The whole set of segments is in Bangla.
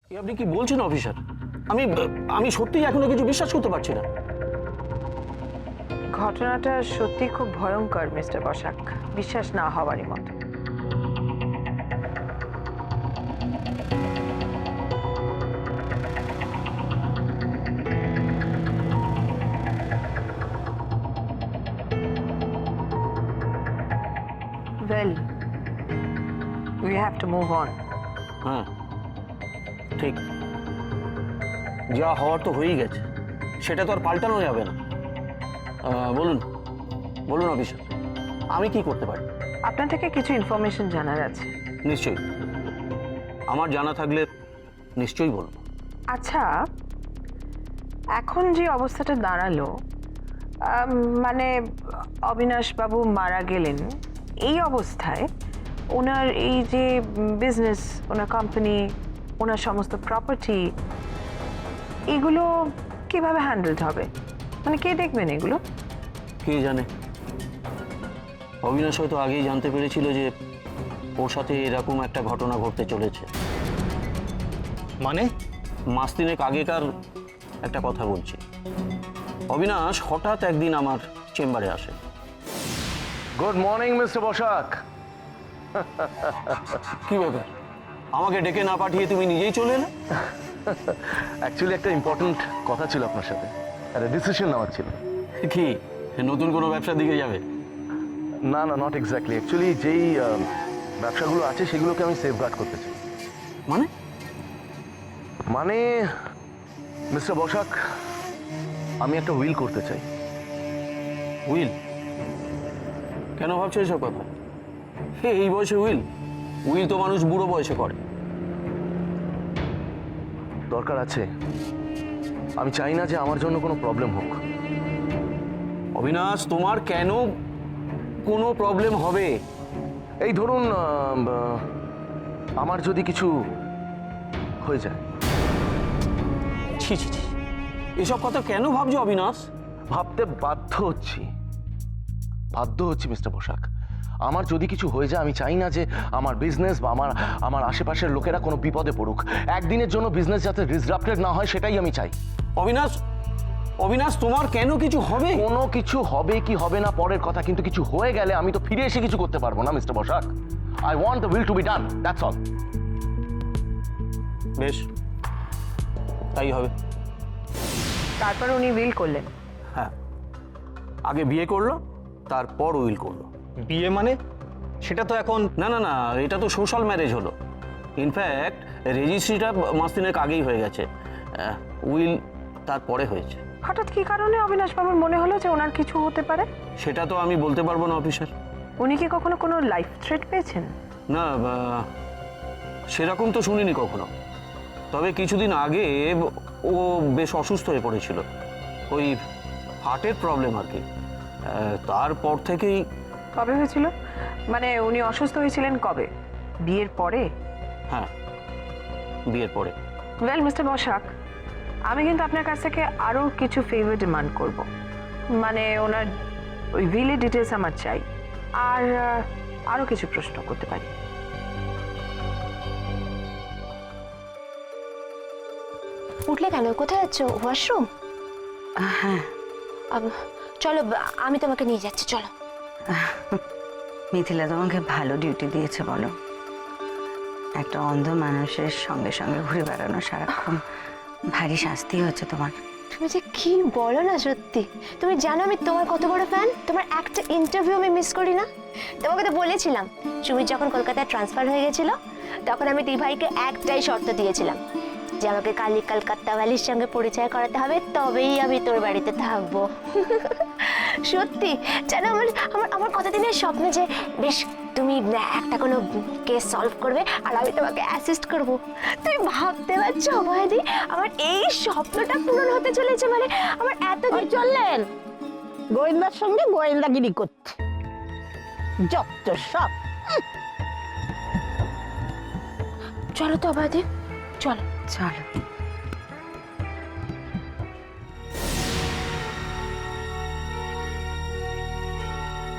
আপনি কি বলছেন অফিসার? আমি আমি সত্যিই এখনো কিছু বিশ্বাস করতে পারছি না। ঘটনাটা সত্যি খুব ভয়ঙ্কর মিস্টার বসাক, বিশ্বাস না হওয়ারই মতো। Well, we have to move on. হ্যাঁ ঠিক, যা হওয়ার তো হয়েই গেছে, সেটা তো আর পাল্টানো যাবে না। বলুন বলুন অফিসার, আমি কি করতে পারি? আপনার থেকে কিছু ইনফরমেশন জানার আছে। নিশ্চয়ই, আমার জানা থাকলে নিশ্চয়ই বলবো। আচ্ছা, এখন যে অবস্থাটা দাঁড়ালো, মানে অবিনাশ বাবু মারা গেলেন, এই অবস্থায় ওনার এই যে বিজনেস, ওনার কোম্পানি, ওনার সমস্ত প্রপার্টি, এগুলো কিভাবে হ্যান্ডেলড হবে? মানে কে দেখবেন এগুলো? কে জানে, অবিনাশ হয়তো আগেই জানতে পেরেছিল যে ওর সাথে এরকম একটা ঘটনা ঘটতে চলেছে। মানে? মাস তিনেক আগেকার একটা কথা বলছি। অবিনাশ হঠাৎ একদিন আমার চেম্বারে আসে। Good morning mister Basak. কি ব্যাপার, আমাকে ডেকে না পাঠিয়ে তুমি নিজেই চলে এলে? অ্যাকচুয়ালি একটা ইম্পর্টেন্ট কথা ছিল আপনার সাথে, একটা ডিসিশন নেওয়ার ছিল। কি নতুন কোনো ব্যবসার দিকে যাবে? না না, নট এক্স্যাক্টলি। অ্যাকচুয়ালি যেই ব্যবসাগুলো আছে সেগুলোকে আমি সেফগার্ড করতে চাই। মানে? মানে মিস্টার বসাক, আমি একটা উইল করতে চাই। উইল? কেন ভাবছো এসব কথা? এই বয়সে উইল? উইল তো মানুষ বুড়ো বয়সে করে। দরকার আছে। আমি চাই না যে আমার জন্য কোনো প্রবলেম হোক। অবিনাশ, তোমার কেন কোনো প্রবলেম হবে? এই ধরুন, আমার যদি কিছু হয়ে যায়। ছি ছি ছি, এসব কথা কেন ভাবছো অবিনাশ? ভাবতে বাধ্য হচ্ছি মিস্টার বসাক। আমার যদি কিছু হয়ে যায়, আমি চাই না যে আমার বিজনেস বা আমার আশেপাশের লোকেরা কোনো বিপদে পড়ুক। একদিনের জন্য বিজনেস যাতে ডিসরাপ্টেড না হয়, সেটাই আমি চাই। অবিনাশ, অবিনাশ, তোমার কেন কিছু হবে? কোনো কিছু হবে কি হবে না পরের কথা, কিন্তু কিছু হয়ে গেলে আমি তো ফিরে এসে কিছু করতে পারবো না mister Basak. I want the will to be done, that's all. বেশ, তাই হবে। তারপর উনি উইল করলেন? হ্যাঁ, আগে বিয়ে করলো, তারপর উইল করলো। বিয়ে মানে? সেটা তো এখন। না না না, এটা তো সোশ্যাল ম্যারেজ হলো। ইনফ্যাক্ট রেজিস্ট্রিটা মাস তিনেক আগেই হয়ে গেছে, উইল তারপরে হয়েছে। হঠাৎ কি কারণে অবিনাশ বাবুর মনে হলো যে ওনার কিছু হতে পারে? সেটা তো আমি বলতে পারবো না অফিসার। উনি কি কখনো কোনো লাইফ থ্রেট পেয়েছেন? না, সেরকম তো শুনিনি কখনো। তবে কিছুদিন আগে ও বেশ অসুস্থ হয়ে পড়েছিল, ওই হার্টের প্রবলেম আর কি। তারপর থেকেই। কবে হয়েছিল? মানে উনি অসুস্থ হয়েছিলেন কবে? বিয়ের পরে? হ্যাঁ, বিয়ের পরে। ওয়েল মিস্টার বসাক, আমি কিন্তু আপনার কাছ থেকে আরও কিছু ফেভার ডিমান্ড করব। মানে ওনার ওই উইলের ডিটেলস আমার চাই, আর আরও কিছু প্রশ্ন করতে পারি। উঠলে কেন? কোথায় যাচ্ছ? ওয়াশরুম? হ্যাঁ, চলো, আমি তোমাকে নিয়ে যাচ্ছি, চলো। মিথিলা তোমাকে ভালো ডিউটি দিয়েছে বলো। একটা অন্ধ মানুষের সঙ্গে সঙ্গে ঘুরে বেড়ানো সারাক্ষণ ভারী শাস্তি হচ্ছে তোমার। তুমি যে কি বলো না, সত্যি। তুমি জানো আমি তোমার কত বড় ফ্যান। তোমার একটা ইন্টারভিউ আমি মিস করি না। তোমাকে তো বলেছিলাম, সুমিত যখন কলকাতায় ট্রান্সফার হয়ে গেছিল, তখন আমি ভাইকে একটাই শর্ত দিয়েছিলাম যে আমাকে কালি কলকাতা ভ্যালির সঙ্গে পরিচয় করাতে হবে, তবেই আমি তোর বাড়িতে থাকবো। সত্যি জানো, আমার আমার আমার কতদিনের স্বপ্ন যে বেশ তুমি একটা কোনো কেস সলভ করবে আর আমি তোমাকে অ্যাসিস্ট করব। তুমি ভাবতে পারছো অভয়দি, আমার এই স্বপ্নটা পূরণ হতে চলেছে। মানে আমার এতদিন চললেন গোয়েন্দার সঙ্গে গোয়েন্দাগিরি করতে, যত সব। চলো তো অভয়দি, চলো চলো।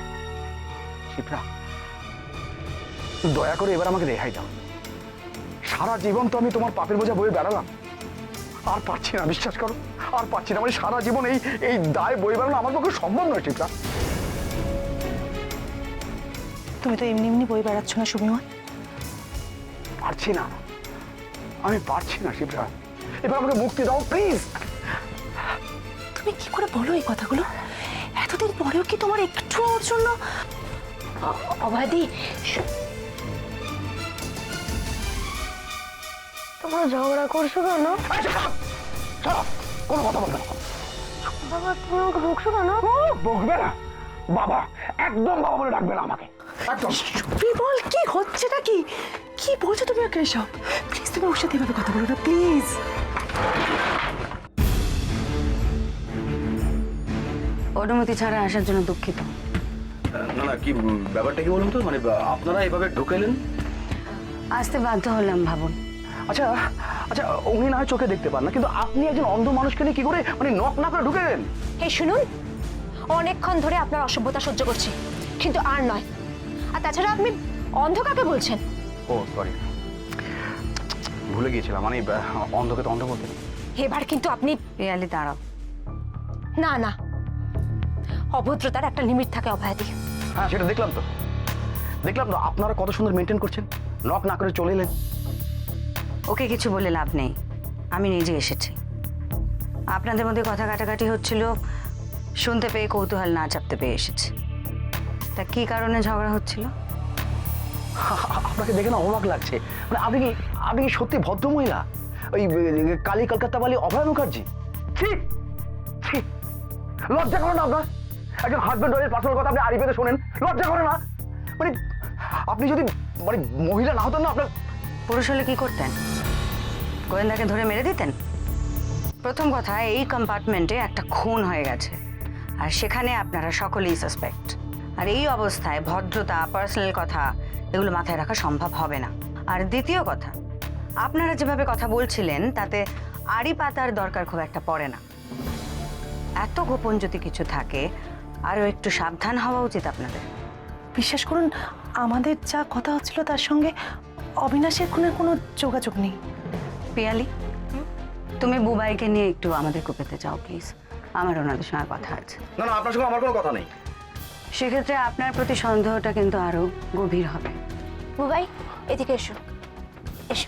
শিপ্রা, দয়া করে এবার আমাকে রেহাই দাও। সারা জীবন তো আমি তোমার পাপের বোঝা বয়ে বেড়ালাম, আর পারছি না, বিশ্বাস করো, আর পারছি না। মানে সারা জীবন এই এই দায় বয়ে বেড়ানো আমার পক্ষে সম্ভব নয় শিপ্রা। তুমি তো এমনি এমনি বই বেড়াচ্ছ না সুমিমন। পারছি না, আমি পারছি না শিপ্রা, এবার আমাকে মুক্তি দাও প্লিজ। তুমি কি করে বলো এই কথাগুলো? এতদিন পরেও কি তোমার একটু ওর জন্য? অবাধি, তোমরা ঝগড়া করছো কেন? কোনো কথা বলবে না। বাবা, তুমি আমাকে বকছো কেন? বকবে না বাবা, একদম বাবা বলে ডাকবে না আমাকে, একদম। বিমল, কি হচ্ছেটা কি? কি বলছো তুমি ওকে এসব? প্লিজ তুমি ওর সাথে এভাবে কথা বলো না, প্লিজ। অনুমতি ছাড়া আসার জন্য দুঃখিত। না না, কি ব্যাপারটা কি বলুন তো, মানে আপনারা এভাবে ঢুকেলেন? আসতে বাধ্য হলাম ভাবুন। আচ্ছা আচ্ছা, উনি না হয় চোখে দেখতে পান না, কিন্তু আপনি একজন অন্ধ মানুষকে নিয়ে কি করে মানে নক না করে ঢুকে গেলেন? এই শুনুন, অনেকক্ষণ ধরে আপনার অসভ্যতা সহ্য করছি, কিন্তু আর নয়। আর তাছাড়া আপনি অন্ধ কাকে বলছেন? ও সরি, ভুলে গিয়েছিলাম, মানে অন্ধকে তো অন্ধ বলতে নেই। এবার কিন্তু আপনি পিয়ালি দাঁড়াও। না না, অভদ্রতার একটা লিমিট থাকে অভয়াদি। হ্যাঁ সেটা দেখলাম তো, আপনারা কত সুন্দর মেনটেন করছেন, নক না করে চলে এলেন। ওকে কিছু বলে লাভ নেই, আমি নিজে এসেছি। আপনাদের মধ্যে কথা কাটাকাটি হচ্ছিল, শুনতে পেয়ে কৌতূহল না চাপতে পেয়ে এসেছি। তা কি কারণে ঝগড়া হচ্ছিল? আপনাকে দেখে না অবাক লাগছে, মানে আপনি কি সত্যি ভদ্র মহিলা? ওই কালী কলকাতা বালি অভয় মুখার্জি? ঠিক ঠিক, লজ্জা করে না আপনার? একজন হাজবেন্ড ওয়াইফের পার্সোনাল কথা আপনি আড়ি পেতে শোনেন, লজ্জা করে না? মানে আপনি যদি মানে মহিলা না হতেন না, আপনার পুরুষ হলে কি করতেন? গোয়েন্দাকে ধরে মেরে দিতেন? প্রথম কথা, এই কম্পার্টমেন্টে একটা খুন হয়ে গেছে, আর সেখানে আপনারা সকলেই সাসপেক্ট। আর এই অবস্থায় ভদ্রতা, পার্সোনাল কথা এগুলো মাথায় রাখা সম্ভব হবে না। আর দ্বিতীয় কথা, আপনারা যেভাবে কথা বলছিলেন তাতে আড়ি পাতার দরকার খুব একটা পড়ে না। এত গোপন যদি কিছু থাকে, আরও একটু সাবধান হওয়া উচিত আপনাদের। বিশ্বাস করুন, আমাদের যা কথা হচ্ছিল তার সঙ্গে অবিনাশের খুনের কোনো যোগাযোগ নেই। পিয়ালি, তুমি বুবাইকে নিয়ে একটু আমাদের কুপেতে যাও প্লিজ, আমার ওনাদের সঙ্গে কথা আছে। না না, আপনার সঙ্গে আমার কোনো কথা নেই। সেক্ষেত্রে আপনার প্রতি সন্দেহটা কিন্তু আরো গভীর হবে। বুবাই, এদিকে এসো, এসো।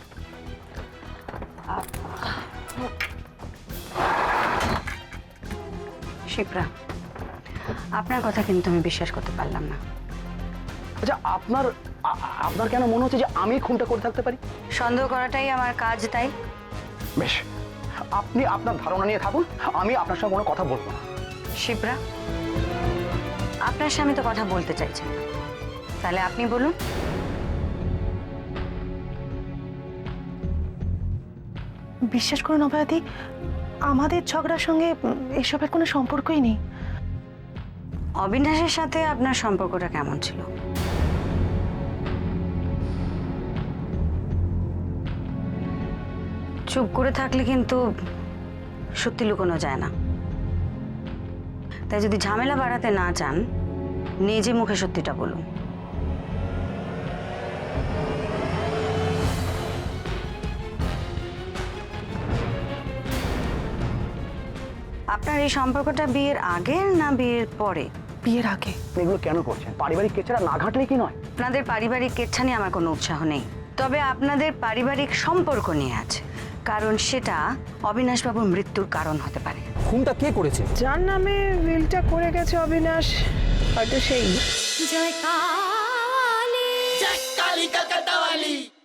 শিপ্রা, আপনার কথা কিন্তু আমি বিশ্বাস করতে পারলাম না। আচ্ছা, আপনার কেন মনে হচ্ছে যে আমি খুনটা করে থাকতে পারি? সন্দেহ করাটাই আমার কাজ, তাই বেশ, আপনি আপনার ধারণা নিয়ে থাকুন, আমি আপনার সঙ্গে কোনো কথা বলবো না। শিপ্রা, আপনার স্বামী তো কথা বলতে চাইছেন না, তাহলে আপনি বলুন। বিশ্বাস করুন অভয়াদি, আমাদের ঝগড়ার সঙ্গে এসবের কোনো সম্পর্কই নেই। অবিনাশের সাথে আপনার সম্পর্কটা কেমন ছিল? চুপ করে থাকলে কিন্তু সত্যি লুকোনো যায় না। তাই যদি ঝামেলা বাড়াতে না চান, নিজে মুখে সত্যিটা বলুন। আপনার এই সম্পর্কটা বিয়ের আগে না বিয়ের পরে? বিয়ের আগে। আপনি এগুলো কেন করছেন? পারিবারিক কেচারা না ঘাটলে কি নয়? আপনাদের পারিবারিক কেচ্ছা নিয়ে আমার কোনো উৎসাহ নেই, তবে আপনাদের পারিবারিক সম্পর্ক নিয়ে আছে, কারণ সেটা অবিনাশবাবুর মৃত্যুর কারণ হতে পারে। খুনটা কে করেছে? যার নামে উইলটা করে গেছে অবিনাশ, হয়তো সেই। জয় কালী, জয় কালী কলকাতা